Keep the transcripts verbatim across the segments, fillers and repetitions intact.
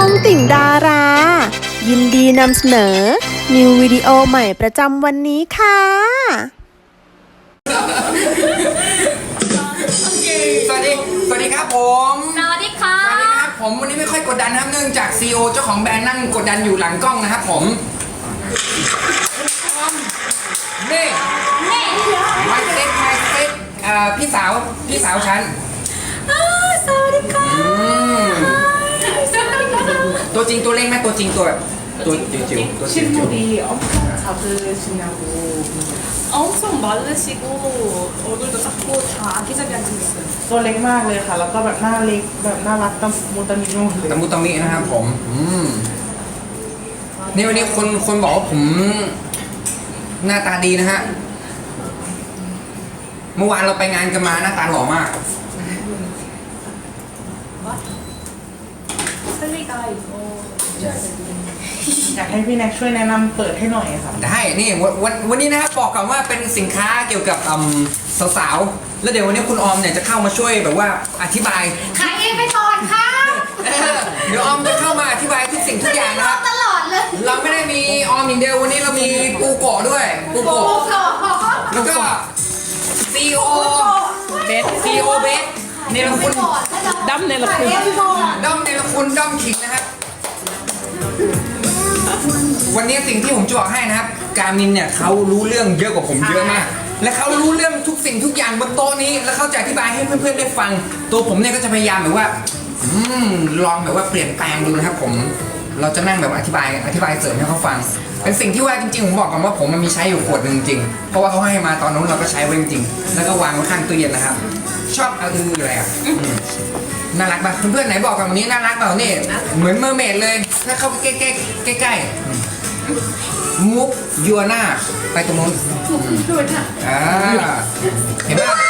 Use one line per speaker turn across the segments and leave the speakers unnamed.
องติ่งดารา ยินดีนำเสนอ นิววิดีโอใหม่ประจำวันนี้ค่ะ
สวัสดี สวัสดีครับผม
สวัสดีค่ะ
สวัสดีครับผมวันนี้ไม่ค่อยกดดันนะครับเนื่องจากซีอีโอเจ้าของแบรนด์นั่งกดดันอยู่หลังกล้องนะครับผมนี่
นี่
มาเซ็ตมาเซ็ตเอ่อพี่สาวพี่สาวฉัน
อ่าสวัสดีค่ะ
อืม
สวัสดีค่ะ
ตัวจริงตัวเล็กไหมตัวจริงตัวแบบตัวจิ๋วๆตัวจิ๋ว
실물이 엄청 작으시냐고.
엄청 마르시고 얼굴도 작고 다 아기자기하게 생겼어요.
ตัวเล็กมากเลยค่ะ แล้วก็แบบหน้าเล็กแบบน่ารักตะมูตะมิโน่เลย
ๆตะมุตะมินะครับผมอืมนี่วันนี้คนคนบอกว่าผมหน้าตาดีนะฮะเมื่อวานเราไปงานกันมาหน้าตาหล่อมาก
슬리가 이거
อยากให้พี่แน็กช่วยแนะนำเปิดให้หน่อยค่ะ
ได้ นี่วันวันวันนี้นะครับบอกก่อนว่าเป็นสินค้าเกี่ยวกับอืมสาวๆ แล้วเดี๋ยววันนี้คุณออมเนี่ยจะเข้ามาช่วยแบบว่าอธิบาย
ขายเองไปก่อนค่ะ
เออเดี๋ยวออมจะเข้ามาอธิบายทุกสิ่งทุกอย่างนะครับ
ตลอดเลย
เราไม่ได้มีออมอย่างเดียววันนี้เรามีปูโกะด้วย ปูโกะแล้วก็ซีโอเบสซีโอเบสเนรคุณ
ดั้มเนรคุณ
ด้อมเนรคุณด้อมขิงนะครับ วันนี้สิ่งที่ผมจะบอกให้นะครับ การมินเนี่ยเขารู้เรื่องเยอะกว่าผมเยอะมาก และเขารู้เรื่องทุกสิ่งทุกอย่างบนโต๊ะนี้ แล้วเขาจะอธิบายให้เพื่อนๆได้ฟัง ตัวผมเนี่ยก็จะพยายามแบบว่า อืมลองแบบว่าเปลี่ยนแปลงดูนะครับผม เราจะนั่งแบบว่าอธิบายอธิบายเสริมให้เขาฟัง เป็นสิ่งที่ว่าจริงๆผมบอกก่อนว่าผมมันมีใช้อยู่ขวดหนึ่งจริง เพราะว่าเขาให้มาตอนนู้นเราก็ใช้ไว้จริงๆแล้วก็วางไว้ข้างตู้เย็นนะครับ ชอบเอาอืออะไรอ่ะอืมน่ารักป่ะเพื่อนๆไหนบอกกันวันนี้น่ารักเปล่านี่เหมือนเมอร์เมดเลย ถ้าเข้าใกล้ๆใกล้ๆมุกยัวหน้าไปตรงนู้นอ่าเห็นป่ะ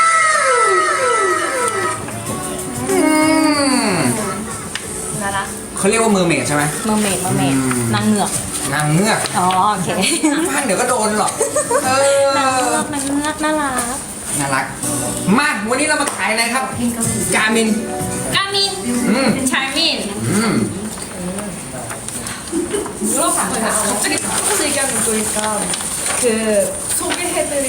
อืม
น่ารัก
เขาเรียกว่าเมอร์เมดใช่ไหม
เมอร์เมดเมอร์เมด
อืม
นางเหงือก
นางเงือก
อ๋อโอเค
บ้านเดี๋ยวก็โดนหรอกเอน
างเงื
อ
อกนางเงือกน่ารัก
น่ารักมาวันนี้เรามาขายอะไรครับกามิน
กามิน
อืม
ชามิน
อืม
물어봤어요. 갑자기 바꿔서 얘기하는 거니까 그 소개해드릴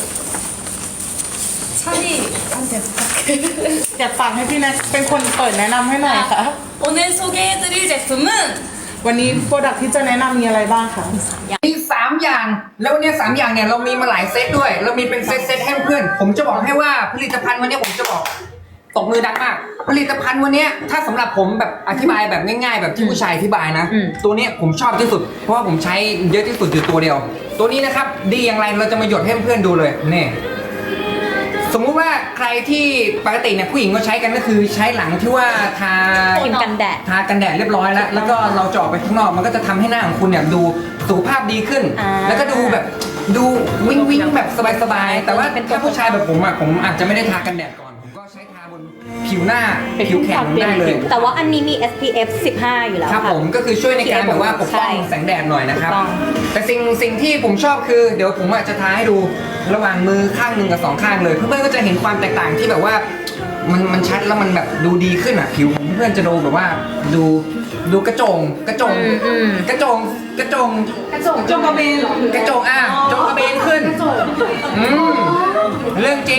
찬이한테 부탁해.
อยากฟังให้พี่แน็กเป็นคนเปิดแนะนำให้หน่อยค่ะ
오늘 소개해드릴 제품은
วันนี้โปรดักที่จะแนะนำมีอะไรบ้างคะ
มีสามอย่าง แล้ววันนี้สามอย่างเนี่ยเรามีมาหลายเซตด้วย เรามีเป็นเซตเซตให้เพื่อน ผมจะบอกให้ว่าผลิตภัณฑ์วันนี้ผมจะบอกตบมือดังมาก ผลิตภัณฑ์วันนี้ถ้าสำหรับผมแบบอธิบายแบบง่ายๆ แบบที่ผู้ชายอธิบายนะ ตัวนี้ผมชอบที่สุด เพราะว่าผมใช้เยอะที่สุดอยู่ตัวเดียว ตัวนี้นะครับดีอย่างไรเราจะมาหยดให้เพื่อนๆดูเลยนี่สมมุติว่าใครที่ปกติเนี่ยผู้หญิงก็ใช้กันก็คือใช้หลังที่ว่าทา
ครีมกันแดด
ทากันแดดเรียบร้อยแล้ว แล้วก็เราจะออกไปข้างนอกมันก็จะทำให้หน้าของคุณเนี่ยดูสุขภาพดีขึ้น
อ่า
แล้วก็ดูแบบดูวิ้งวิ้งแบบสบายๆแต่ว่าถ้าผู้ชายแบบผมอ่ะผมอาจจะไม่ได้ทากันแดดก่อนผมก็ใช้ทาบนผิวหน้าผิวแข็งได้เลย
แต่ว่าอันนี้มี เอส พี เอฟ สิบห้า อยู่แล้ว
ครับ
ค่ะ
ผมก็คือช่วยในการแบบว่าปกป้อง
ใช่
แสงแดดหน่อยนะครับ
ถูกต้อง
แต่สิ่งสิ่งที่ผมชอบคือเดี๋ยวผมอาจจะทาให้ดูระหว่างมือข้างหนึ่งกับสองข้างเลยเพื่อนๆก็จะเห็นความแตกต่างที่แบบว่ามันมันชัดแล้วมันแบบดูดีขึ้นอ่ะผิวของเพื่อนๆจะดูแบบว่าดูดูกระจงกระจง
อืมอืม
กระจงกระจงกระจงจงกระเบนกระจงอ่ะจงกระเบนขึ้นอืมเรื่องจริง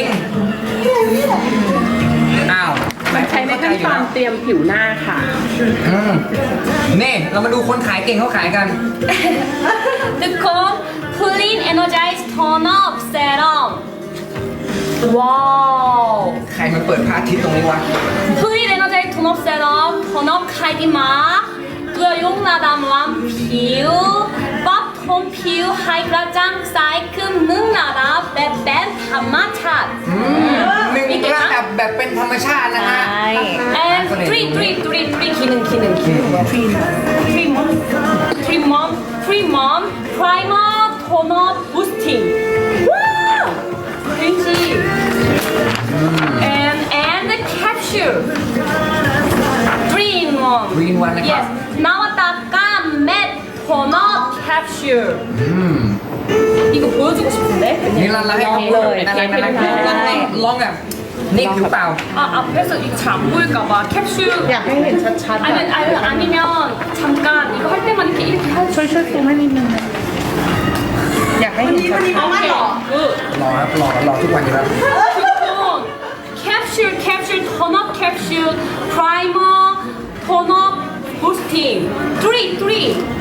อ้าว
มันใช้ในขั้นตอนเตรียมผิวหน้าค่ะ
อืมนี่เรามาดูคนขายเก่งเขาขายกัน
두콘 Clean Energize Tone Up Serum ว้าว
ใครมันเปิดพระอาทิตย์ตรงนี้วะ
Clean Energize Tone Up Serum Tone Up 카이디마 뚜여용나담 람피우 빡톤 피우 하이그라장 사이큼 능나라 뱀뱀 파마차
อืมหนึ่งระดับแบบเป็นธรรมชาตินะฮะ
and three three three three 기능 기능 기능 three mom three mom three mom primer toner boosting wow crazy and and the capsule three in one
Three in one นะครับ
yes 나왔다 깜맷 toner capsule
อืม
이거 보여주고 싶은데
นี่เราให้เขา
เลย
น่ารักน่ารัก
เทป
ลอง
ให้
ลองลองแบบนี่ผิวเปล่า
아 앞에서 이거 잘 안 보일까봐 캡슐
อยากให้เห็นชัดๆ
아니면
อะ
아니면 아니면 난 이거 할 때만 이렇게 이렇게 할
ช่วยช่วยซูมให้นิดนึงนะอยากให้เห็นชัด
오케이 굿
รอครับรอรอทุกวันอยู่แล้ว
캡슐 캡슐 턴업 캡슐 프라이머 턴업 부스팅 쓰리 쓰리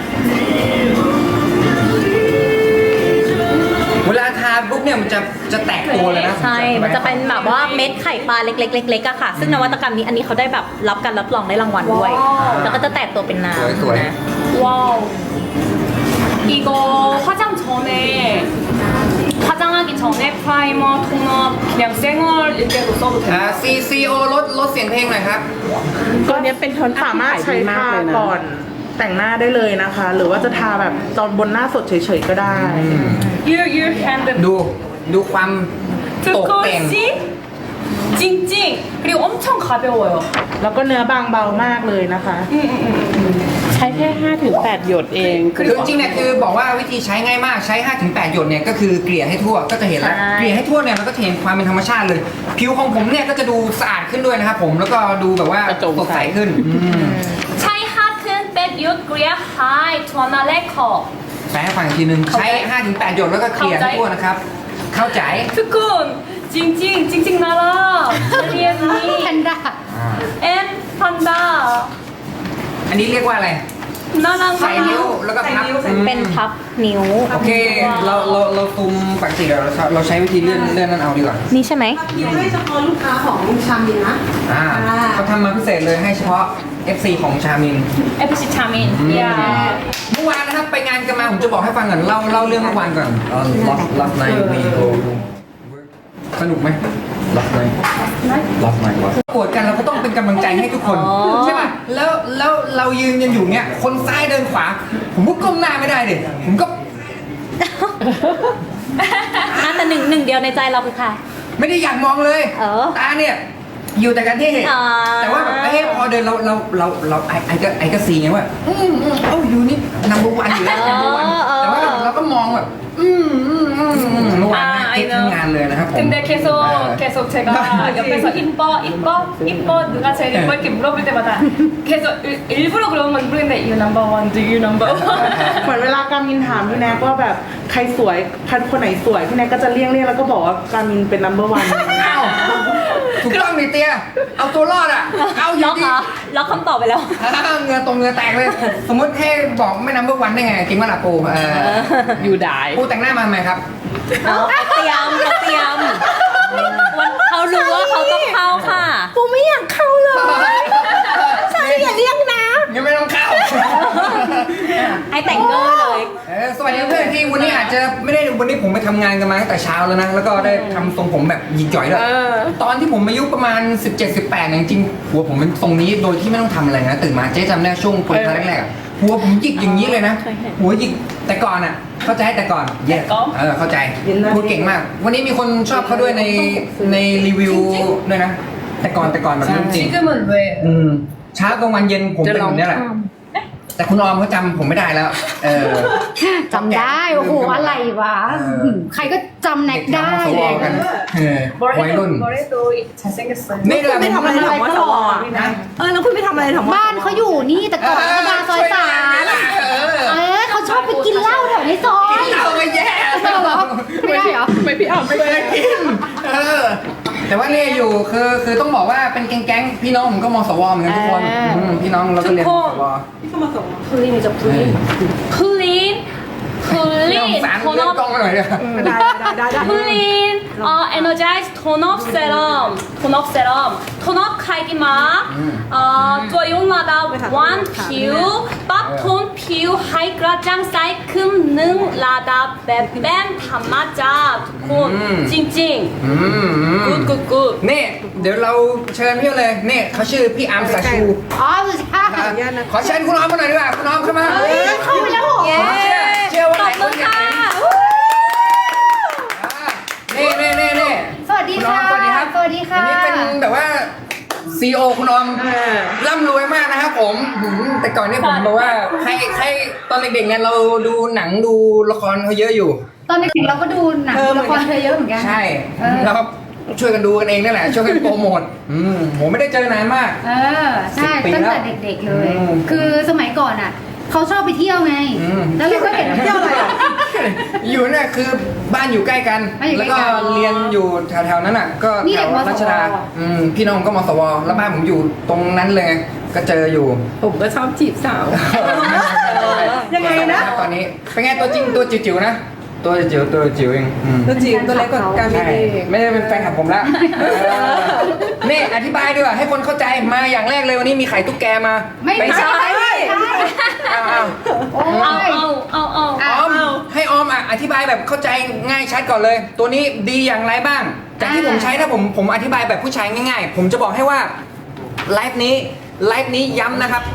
เวลาทาปุ๊บเนี่ยมันจะจะแตกตัวเลยนะ
ใช่ มันจะเป็นแบบว่าเม็ดไข่ปลาเล็กๆๆๆอะค่ะ ซึ่งนวัตกรรมนี้อันนี้เขาได้แบบรับการรับรองได้รางวัลด้วย แล้วก็จะแตกตัวเป็นน้ำ
สวย
นะ
와우 이거 화장 전에 화장하기 전에 프라이머 톤업 그냥 생얼일 때도 써도
ๆอ่า
돼요
ซีซีโอลดลดเสียงเพลงหน่อยครับ
ตัวเนี้ยเป็นโทนสามารถใช้ทาก่อนแต่งหน้าได้เลยนะคะ หรือว่าจะทาแบบตอนบนหน้าสดเฉยๆก็ได้
You you hand
ดูดูความตกแต่ง
두꺼우시 찡찡 그리고 엄청 가벼워요
แล้วก็เนื้อบางเบามากเลยนะคะ
ใช้แค่ห้าถึงแปดหยดเอง
คือจริงๆเนี่ยคือบอกว่าวิธีใช้ง่ายมากใช้ ห้าถึงแปด หยดเนี่ยก็คือเกลี่ยให้ทั่วก็จะเห็นแล้ว
ใช่
เกลี่ยให้ทั่วเนี่ยมันก็จะเห็นความเป็นธรรมชาติเลย ผิวของผมเนี่ยก็จะดูสะอาดขึ้นด้วยนะครับผมแล้วก็ดูแบบว่าก
ระจ่าง
สดใสขึ้นอืม
차이 하튼 백윷 그리야 하이 투아나 레커
แปลให้ฟังอีกทีนึงใช้ ห้าถึงแปด หยดแล้วก็เกลี่ยให้ทั่วนะครับ เข้าใจ
투쿤 찡찡 찡찡 나라 제리언니
แพนด้า
앤 판다
อันนี้เรียกว่าอะไร
나랑
ใส่นิ้วแล้วก็พับอืม
เป็นพับนิ้ว
โอเคเราเราเราตุมปกติเราเราใช้วิธีเลื่อนเลื่อนนั่นเอาดีกว่า
นี่ใช่ไหม
ให้เฉพาะลูกค้าของชามินนะ
อ่าเขาทำมาพิเศษเลยให้เฉพาะ เอฟ ซี ของชามิน
에프씨 차민 야
เมื่อวานนะครับไปงานกันมาผมจะบอกให้ฟังก่อนเล่าเล่าเรื่องเมื่อวานก่อน last last night we go สนุกไหม last night last night โกรธกันเราก็ต้องเป็นกำลังใจให้ทุกคน
อ๋อ
ใช่ป่ะแล้วแล้วเรายืนกันอยู่เนี้ยคนซ้ายเดินขวา ผมก็ก้มหน้าไม่ได้ดิผมก็
อ่ะแต่หนึ่งหนึ่งเดียวในใจเราคือใคร
ไม่ได้อยากมองเลย
เออ
ตาเนี่ยอยู่แต่กันที่
อ๋อ
แต่ว่าแบบเอ้ยพอเดินเราเราเราเราไอไอก็ไอก็ซีไงว่าอืมอืมเอ้าอยู่นี่นัมเบอร์วันอยู่แล้วนัมเบอร์วันแต่ว่าเราก็มองแบบอืมอืมอืมอืมเมื่อวาน
อ่า
เก็บทั้งงานเลยนะครับผม
근데 계속 계속 제가 옆에서 이뻐 이뻐 이뻐 누가 제일 이뻐 이렇게 물어볼 때마다 계속 일- 일부러 그런 건 모르겠는데 you number one do you number one
เหมือนเวลาการมินถามพี่แนกว่าแบบใครสวยคันคนไหนสวยพี่แนกก็จะเลี่ยงเลี่ยงแล้วก็บอกว่าการมินเป็น number one
อ้าวถูกต้องนี่เตี้ยเอาตัวรอดอ่ะเอาอ
ล็
ยู่
อก
ดี
เหรอล็อกคำตอบไปแล้ว
อ้าวเหงือตรงเหงือแตกเลย สมมติให้บอกไม่นัมเบอร์วันได้ไงจริงว่าล่ะปูเออ
อยู่ได้
ปูแต่งหน้ามาทำไมครับ
เอาเตรียมเขาเตรียมวันเขารู้ว่าเขาต้องเข้าค่ะ
ปูไม่อยากเข้าเลยใช่อย่าเรียกนะ
ยังไม่ต้องเข้า
ให้แต่งเกอร์เลย
เออสวัสดีเพื่อนที่วันนี้อาจจะไม่ได้วันนี้ผมไปทำงานกันมาตั้งแต่เช้าแล้วนะ แล้วก็ได้ทำทรงผมแบบหยิกจ่อยด้วยตอนที่ผมอายุประมาณ สิบเจ็ด สิบแปดเนี่ยจริงๆหัวผมเป็นทรงนี้โดยที่ไม่ต้องทำอะไรนะตื่นมาเจ๊จำได้ช่วงเปิดครั้งแรกๆอะหัวผมหยิกอย่างนี้เลยนะ หัวหยิกแต่ก่อนอ่ะ เข้าใจแต่ก่อนเย้เออเข้าใจพูดเก่งมาก วันนี้มีคนชอบเขาด้วยในในรีวิวด้วยนะ แต่ก่อนแต่ก่อนแบบนี้จริง
지금은 왜
อืมเช้ากลางวันเย็นผมเป็นแบบนี้แหละ แต่คุณออมเขาจำผมไม่ได้แล้ว เออ
จำได้ โอ้โห อะไรวะ
เออ
ใครก็จำแนกได้
เด็ก
เล
ทำ
ย
กันเออวัยรุ่น
머리도 잘생겼어요
นี่แหละ
ไปทำอะไรถามว่าสว
นะ
เออแล้วคุณไปทำอะไรถามว่า
บ้านเขาอยู่นี่แต่ก่อนเขามาซอยสาม
เออ
เออเขาชอบไปกินเหล้าแถวในซอย
เอาไปแย่
ไม่เหรอไม่ได้เหรอ
ไม่พี่อ้อม
ไม่ได้กินเออแต่ว่าเนี่ยอยู่คือคือต้องบอกว่าเป็นแก๊งๆพี่น้องผมก็มสวเหมือนกันทุกคน
อ่า
อืมพี่น้องเราก็เรียนมสว
플린이죠 플린 플린
เรื่อง
플린
สารเรื่องกล้อง
톤업
มาหน่อยเลย
ได้ได้ได้ได้
플린 어 에너자이즈 톤업 세럼 톤업 세럼 톤업 카이디마 어 쪼용마다 완 피우 밥톤 피우 하이그라장 사이큼 능 라다 뱀뱀 담마자 두콘 찡찡
อืม
굿굿굿
นี่เดี๋ยวเราเชิญพี่เลยนี่เขาชื่อพี่อาร์มสาชู
อ๋อสุดท้าย
ขอเชิญคุณออมมาหน่อยดีกว่าคุณออมเข้ามา
เข้าไปแล้วเหรอ
เชื่อเชื่อว่าหลายคนอยากเห็นนี่นี่นี่นี่
สวัสดี
คุณออ
ค่ะ
มสวัสดีครับ
สวัสดีค่ะ
อันนี้เป็นแบบว่าซีโอคุณออมร่ำรวยมากนะครับผมหืมแต่ก่อนนี่ผมบอกว่าใครใครตอนเด็กๆเนี่ยเราดูหนังดูละครเขาเยอะอยู่
ตอนเด็กๆเราก็ดูหนังละครเธอเยอะเหมือนกัน
ใช่
เออ
แล้วก็ช่วยกันดูกันเองนั่นแหละช่วยกันโปรโมทอืมผมไม่ได้เจอนานมาก
เออ ใช่
สิบปี
ตั้งแต่
แล้ว
เด็กๆเลย
อืม
คือสมัยก่อนอ่ะเขาชอบไปเที่ยวไง
อืม
แล้วเราก็เห็นเที่ยวอะไรอ่ะ
อยู่เนี่ยคือบ้านอยู่ใกล้กัน
บ้านอยู่
แล้ว
ใกล้
ก็
กัน
เรียนอยู่แถวๆนั้นอ่ะ ก็
นี่
แถ
เด็ก
ว
มสว
รัชดาอืมพี่น้องก็มสวแล้วบ้านผมอยู่ตรงนั้นเลย ก็เจออยู่
ผมก็ชอบจีบสาว
ยังไงนะตอนนี้เป็นไงตัวจริงตัวจิ๋วๆนะ ตัวจิ๋วตัวจิ๋วเองอืม
ตัวจีบตัวเล็กกว่าการไม่
ใช่
ดี
ไม่ได้เป็นแฟนคลับผมแล้วเออนี่อธิบายดีกว่าให้คนเข้าใจมาอย่างแรกเลยวันนี้มีไข่ตุ๊กแกมา
ไม่
เป็น
ใช่
อ้าวอ้าว
โอ้
เอา
ย
เอาเอาเอา
ออมให้ออมอ่ะอธิบายแบบเข้าใจง่ายชัดก่อนเลย ตัวนี้ดีอย่างไรบ้าง จากที่ผมใช้ถ้าผมผมอธิบายแบบผู้ชายง่ายๆ ผมจะบอกให้ว่าไลฟ์นี้ไลฟ์นี้ย้ำนะครับ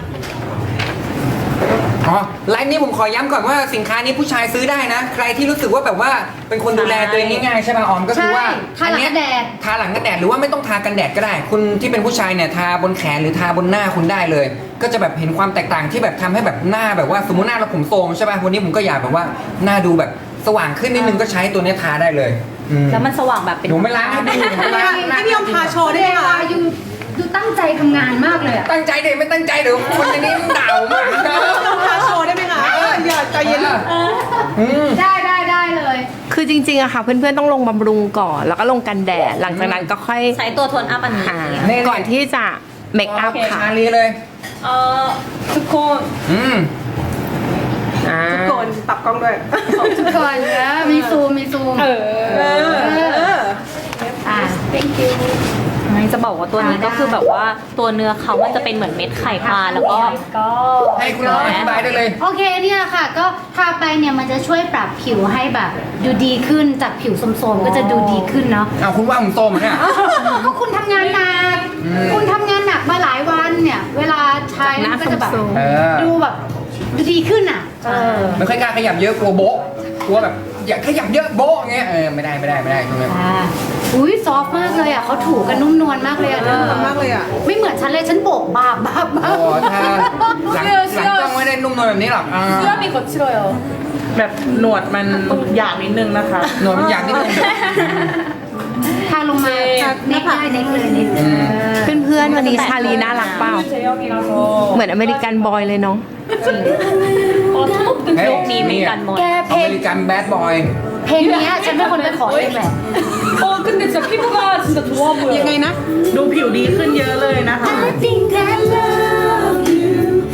อ๋อไลฟ์นี้ผมขอย้ำก่อนว่าสินค้านี้ผู้ชายซื้อได้นะ ใครที่รู้สึกว่าแบบว่าเป็นคนดูแลตัวเองง่ายๆใช่ไหมออมก็คือว่า
ใช่ทาหลังกันแดด
ทาหลังกันแดดหรือว่าไม่ต้องทากันแดดก็ได้ คุณที่เป็นผู้ชายเนี่ยทาบนแขนหรือทาบนหน้าคุณได้เลย ก็จะแบบเห็นความแตกต่างที่แบบทำให้แบบหน้าแบบว่าสมมติหน้าเราผมโทรมใช่ป่ะวันนี้ผมก็อยากแบบว่าหน้าดูแบบสว่างขึ้นนิดนึงก็ใช้ตัวเนี้ยทาได้เลยอืม
แล้วมันสว่างแบบเป็น
หนูไม่ล้างให้ดูหนูไม่ล้าง
ให้พี่ยอมทาโชว์ได้ไหมคะยูยูตั้งใจทำงานมากเลยอ่ะ
ตั้งใจเด็ไม่ตั้งใจเดี๋ยวคนในนี้ด่ามากนะ
พาโชว์ได้ไหมคะอย่าใจเย็น
อืม
ได้ได้ได้เลย
คือจริงๆอะค่ะ เพื่อนๆต้องลงบำรุงก่อน แล้วก็ลงกันแดด หลังจากนั้นก็ค่อย
ใช้ตัวโทนอัพอันนี้
หาก่อนที่จะเมคอัพค่ะ
ชาลีเลย
เอ่อทุกคน
อืม
อ่า
ก่อนตับกล้องด้วย
ทุกคนนะมีซูมมีซูม
เออ
อ่า thank you
ไม่จะบอกว่าตัวนี้ก็คือแบบว่าตัวเนื้อเขามันจะเป็นเหมือนเม็ดไข่ปลาแล้วก็
ให้คุณน้องอธิบายได้เลย
โอเคเนี่ยแหละค่ะ ก็ทาไปเนี่ยมันจะช่วยปรับผิวให้แบบดูดีขึ้นจากผิวโทรมๆก็จะดูดีขึ้นเนาะ
เอาคุณว่าผมโตเหมือนเนี่ย
ก็คุณทำงานหนัก
อืม
คุณทำงานหนักมาหลายวันเนี่ย เวลาใช้มันก็จะแบบ
เออ
ดูแบบดูดีขึ้นอ่ะเออ
ไม่ค่อยกล้าขยับเยอะกลัวโบ๊ะกลัวแบบอยากขยับเยอะโบ๊ะอย่างเงี้ยเออไม่ได้ไม่ได้ไม่ได้ตรงนี้
อ่าอุ้ยซอฟต์มากเลยอ่ะเขาถูกันนุ่มนวลมากเลยอ่ะเธอ
มากเลยอ่ะ
ไม่เหมือนฉันเลยฉันโบกบาบบาบบา
โอ้
บ
ถ้าหลังหลังกล้องไม่ได้นุ่มนวลแบบนี้หรอกอ่า
수염이 거칠어요.
แบบหนวดมันหยาบนิดนึงนะคะ
หนวดมันอยากนิดนึง
ทาลงมาเน็กได้เน็กเลยเน็กเออ
เพื่อนๆวันนี้ชาลีน่ารักเปล่า
제형이라서.
เหมือนอเมริกันบอยเลยเนาะ
어, 토목도
เฮ้ย
โลกนี้มีกันหมด
แกเพ
อ
ล
เม
ง
ริกันแบดบอย
เพลงเนี้ยฉันเป็นคนไปขอเองแหละ
어, 근데 진짜 피부가 진짜 좋아 보여요.
ยังไงนะ ดูผิวดีขึ้นเยอะเลยนะคะ
I think I love you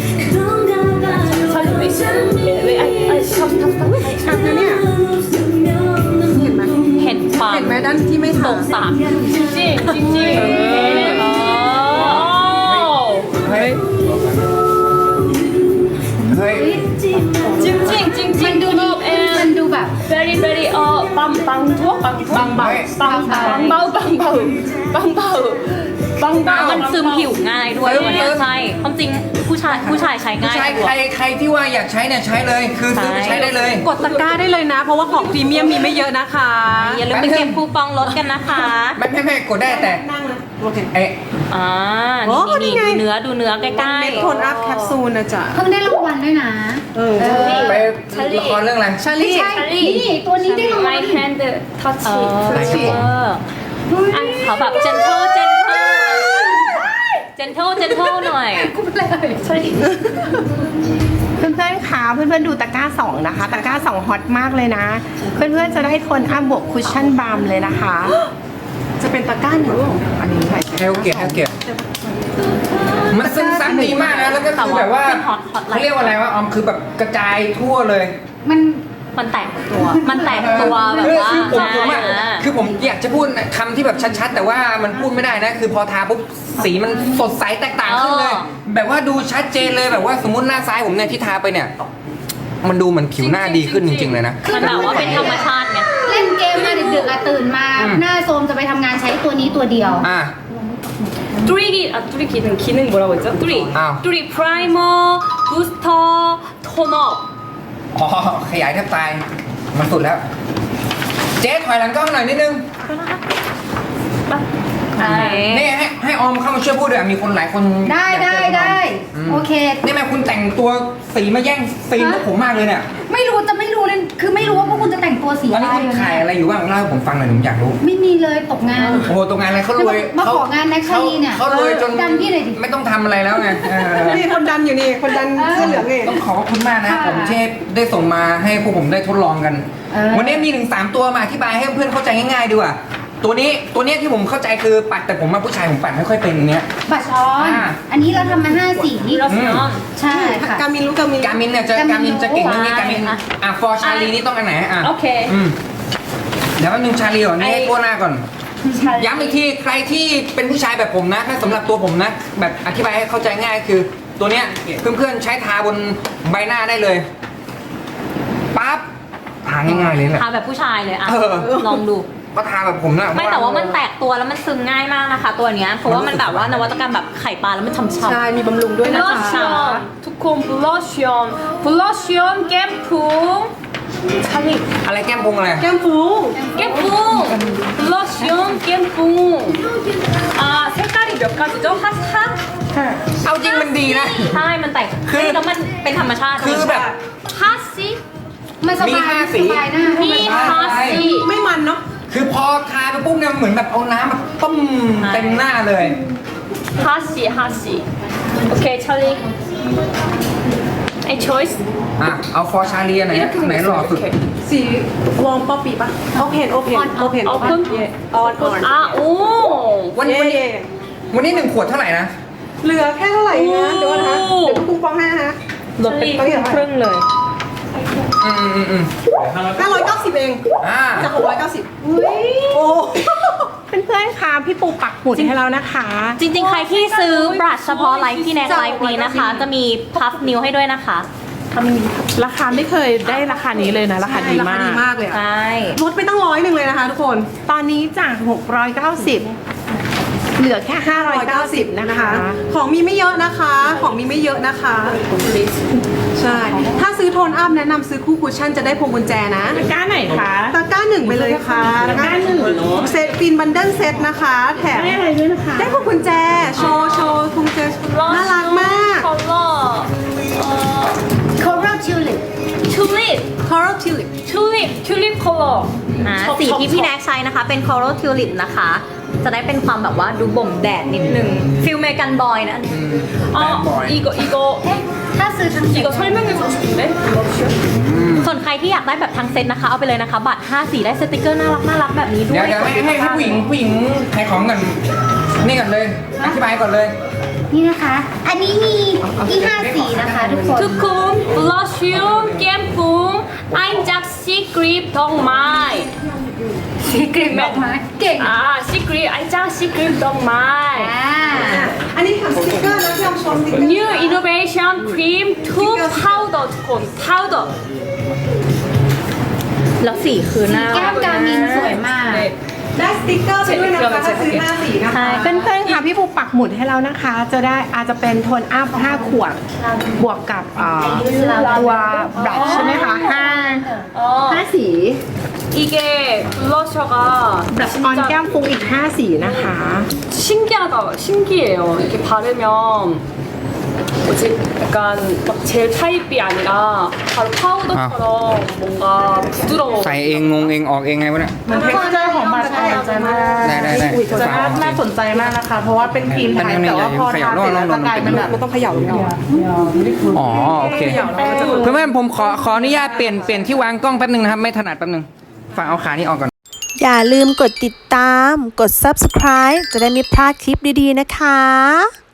잘 왜, 아, 아, 스탑, 스탑, 스탑.
ชัดนะเนี่ย
เห็นความ
เห็นไหมด้านที่ไม่
ต
ทาก
สาม
찡찡, 찡찡. 어.
เฮ้ยเฮ้ย
찡찡,
มัน
찡찡.
ดูดี
업
มัน
and
ดูแบบ
very, very, 어, 빵, 빵 투어? 빵 투어? 빵, 빵, 빵, 빵, 빵, 빵, 빵, 빵, 빵,
มัน
빵.
ซึมผิวง่ายด้วยตัวเนี้ยใช่ความจริงผู้ชายผู้ชายใช้
ผู้
ง่าย
ชาย
ก
ใคร
ว่า
ใครที่ว่าอยากใช้เนี่ยใช้เลย คือซื้อไปใช้ได้เลย
กดตะกร้าได้เลยนะ เพราะว่าของพรีเมียมมีไม่เยอะนะคะ
อย่าลืมไปเก็บคูปองลดกันนะคะ
ไม่ไม่ไม่กดได้แต่เอ๊ะ
อ่า
โอ้
นี่
นี่
นี่
ไง
ดูเนื้อดูเนื้อใกล้
เม็ดโทนอัพแคปซูลนะจ๊ะ
เพิ่งได้รางวัลด้วยนะ เออ
ไปละครเรื่องอะไร
ชา
ไม่
ลี
ใช่นี่ตัวนี้ได้รางวัล
My hand
ๆ
touch
เออ
it.
เอออ่ะเขาแบบเจนเทลเจนเทลเจนเทลเจนเทลหน่อย
กูเป็นอะไร
เพื่อนๆคะเพื่อนๆดูตะกร้าสองนะคะ ตะกร้าสองฮอตมากเลยนะ เพื่อนๆจะได้โทนอัพบวกคุชชั่นบาล์มเลยนะคะ จะเป็นตะกร้าหนึ่งอันนี้ค่ะ
เฮลเกียร์เฮลเกียร์มันซึมซับดีมากนะ แล้วก็คือแบบว่า
เป็น hot hot
เขาเรียกว่าอะไรวะออมคือแบบกระจายทั่วเลย
มัน
มันแตกตัว มันแตกตัวแบบว่า
คือผมผมอะ
อ่า
คือผมอยากจะพูดคำที่แบบชัดๆ แต่ว่ามันพูดไม่ได้นะ คือพอทาปุ๊บสีมันสดใสแตกต่างขึ้นเลย แบบว่าดูชัดเจนเลยแบบว่าสมมติหน้าซ้ายผมเนี่ยที่ทาไปเนี่ย มันดูเหมือนผิวหน้าดีขึ้นจริงๆเลยนะ
มันแบบว่าเป็นธรรมชาติไง
เล่นเกมมาดึกๆอะตื่นมา
อืม
หน้าโซมจะไปทำงานใช้ตัวนี้ตัวเดียว
อ่ะ
뚜리기, 아, 뚜리 기능, 기능 뭐라고 했죠? 뚜리.
아.
뚜리 프라이머, 부스터, 톤업.
อ๋อขยายแทบตายมันสุดแล้ว เจ๊ถอยหลังกล้องหน่อยนิดนึง
ใช่
นี่ให้ให้ออมเข้ามาช่วยพูดด้วยมีคนหลายคน
ได้
อยาก
ได้
เจอคุณออม
ได้
อืม
โอเค
นี่แม่คุณแต่งตัวสีมาแย่งซีนพวกผมมากเลยเนี่ย
ไม่รู้จะไม่รู้เลยคือไม่รู้ว่าพวกคุณจะแต่งตัวสี
ตอน
อะไร
นี้คุณขายอะไรอยู่บ้างเล่าให้ผมฟังหน่อยผมอยากรู้
ไม่มีเลยตกงาน
โอ้โหตรงงานอะไรเขารวย
มาของานแน็กชาลีเนี่ย
เขารวยจน
ดันพี่หน่อยดิ
ไม่ต้องทำอะไรแล้วไงเออ
นี่คนดันอยู่นี่ คนดันเสื้อเหลืองนี่
ต้องขอบคุณมากนะ
ค่ะ
ผมเชฟได้ส่งมาให้พวกผมได้ทดลองกัน
เออ
วันนี้มีถึงสามตัวมาอธิบายให้เพื่อนเข้าใจง่ายๆดีกว่าตัวนี้ตัวเนี้ยที่ผมเข้าใจคือปัดแต่ผมมาผู้ชายผมปัดไม่ค่อยเป็นอย่างเนี้ย
บัตรออน
อ่า
อันนี้เราทำมาห้าสี
이러시면
ใช่ค่ะ
กามินรู้กามิน
การมินเนี่ยจะ
กามิน
การมินจะเก่งเรื่องนี้
ใช่
การมิน
อ่ะ
อ่ะฟอร์ชาลีนี่ต้องอันไหนอ่ะ
โอเค
อืมเดี๋ยวแป๊บนึงชาลีก่อนนี่
ไอ้
ให้โก้หน้าก่อน ย้ำอีกทีใครที่เป็นผู้ชายแบบผมนะถ้าสำหรับตัวผมนะ แบบอธิบายให้เข้าใจง่ายคือ ตัวเนี้ยเพื่อนๆใช้ทาบนใบหน้าได้เลยปั๊บทาง่ายๆเลยแหละ
ทาแบบผู้ชายเลยอ่ะ
เออ
ลองดู
ก็ทาแบบผมนะ
ไม่แต่ว่ามันแตกตัวแล้วมันซึมง่ายมากนะคะ ตัวเนี้ยเพราะว่ามันแบบว่านวัตกรรมแบบไข่ปลาแล้วมันฉ่ำ
ใช่ มีบำรุงด้วยนะคะ
블러션 두콘 블러션 블러션 갬풍 찰리
อะไรแก้มพุงอะไร
แก้มฟู
갬풍 블러션 갬풍 아 색깔이 몇 가지죠? 핫핫
เอาจริงมันดีนะ
ๆใช่มันแตก
คือ
แล้วมันเป็นธรรมชาติ
คือแบบ
핫시
มันส
มี
บาย
ห้าสี
สบายหน้า
미 핫시
ไม่มันเนาะ
คือพอทาไปปุ๊บเนี่ยเหมือนแบบเอาน้ำมาต้มเต็มหน้าเลย
핫시 핫시 오케이 찰리 any choice
อ่ะเอาฟอร์ชาลีอันไหนไหนหล่อสุด
สีวอร์มป๊อปปี้ปะโอเพนโอเพนโอเพน
오픈
ออนออน
아 오
วันนี้วันนี้วันนี้หนึ่งขวดเท่าไหร่นะ
เหลือแค่เท่าไหร่นะเดี๋ยวนะคะ
โอ้
เดี๋ยวคูปองให้นะคะ
ลดไปครึ่งเลย
อืมอืมอืม
ห้าร้อยเก้าสิบเอง
อ่า
จากหกร้อยเก้าสิบโอ้เพื่อนๆคะพี่ปูปักหมุดให้เรานะคะ
จริงๆ ใครที่ซื้อบรัชเฉพาะไลฟ์ที่แนกไลฟ์นี้นะคะ จะมีพัฟนิ้วให้ด้วยนะคะ
ราคาไม่เคยได้ราคานี้เลยนะ ราคาดีมากดีมากเลย
ใช่
ลดไปตั้งร้อยหนึ่งเลยนะคะทุกคน ตอนนี้จาก หกร้อยเก้าสิบ เหลือแค่ ห้าร้อยเก้าสิบ นะคะ ของมีไม่เยอะนะคะ ของมีไม่เยอะนะคะ ใช่ ถ้าซื้อโทนอัพแนะนำซื้อคู่คุชชั่นจะได้พวงกุญแจนะตะกร้าไหนคะตะกร้าหนึ่งไปเลยค่ะตะกร้าหนึ่งเซตฟินบันเดิลเซตนะคะ แถมได้อะไรด้วยนะคะ ได้พวงกุญแจ โชว์โชว์พวงกุญแจน่ารักมาก
컬러 어
Coral Tulip
튤립
Coral Tulip
튤립 튤립 컬러
อ่าสีที่พี่แนกใช้นะคะ เป็น Coral Tulip นะคะ จะได้เป็นความแบบว่าดูบ่มแดดนิดนึงฟิลเมกันบอยนะ
아 이거 이거
ถ้าซื้อทั้งเซ็ต
이거 설명해 주고 싶은데 블러션
ส่วนใครที่อยากได้แบบทั้งเซตนะคะ เอาไปเลยนะคะ บัตรห้าสีได้สติกเกอร์น่ารักน่ารักแบบนี้ด้ว
เดี๋ยวย เดี๋ยวให้ให้ให้ผู้หญิงผู้หญิงขายของก่อนนี่ก่อนเลยอธิบายก่อนเลย
นี่นะคะ อันนี้มีที่ห้าสีนะคะทุกคน
두콘 블러션 갬풍 아임작 시크릿 덕마이
สีกรีบดอกไม้เก่ง
아 시크릿 아임작 시크릿 덕마이
อ่า
อันนี้ทำสติกเกอร์นะที่เราโชว์สติกเกอร์
New innovation cream two powder 두콘 powder
แล้วสีคือน่า
แก้
รั
ม
ก
กามินสวยมาก
네.
ได้สติกเกอร์ไปด้วยนะคะถ้าซื้อห้าสีนะคะ
ใช่
เพื่อนๆค่ะพี่ปูปักหมุดให้เรานะคะ จะได้อาจจะเป็นโทนอัพห้าขวด บวกกับเอ่อตัวบลัชใช่ไหมคะห้า
어
ห้าสี
이게 블러셔가
บลัชออนแก้มฟุ้งอีกห้าสีนะคะ
신기하다 신기해요 이렇게 바르면 뭐지 약간 막 젤 타입이 아니라 바로 파우더처럼 뭔가 부드러워
ใส่เองงงเองออกเองไงวะเนี่ย
มันเท็กซ์เจอร์ของบัตรน่าสนใจมาก
ได้ได้ได้
จะน่าน่าสนใจมากนะคะ เพราะว่าเป็นครีมไทยแต่ว่าพอทาเสร็จแล้วจะกลายเป็นแบบมันต้องเขย่าลงก่อน
อ๋อโอเคเพื่อนๆผมขอขออนุญาตเปลี่ยนเปลี่ยนที่วางกล้องแป๊บนึงนะครับไม่ถนัดแป๊บนึงฝากเอาขานี้ออกก่อน
อย่าลืมกดติดตาม กด ซับสไครบ์ จะได้ไม่พลาดคลิปดีๆนะคะ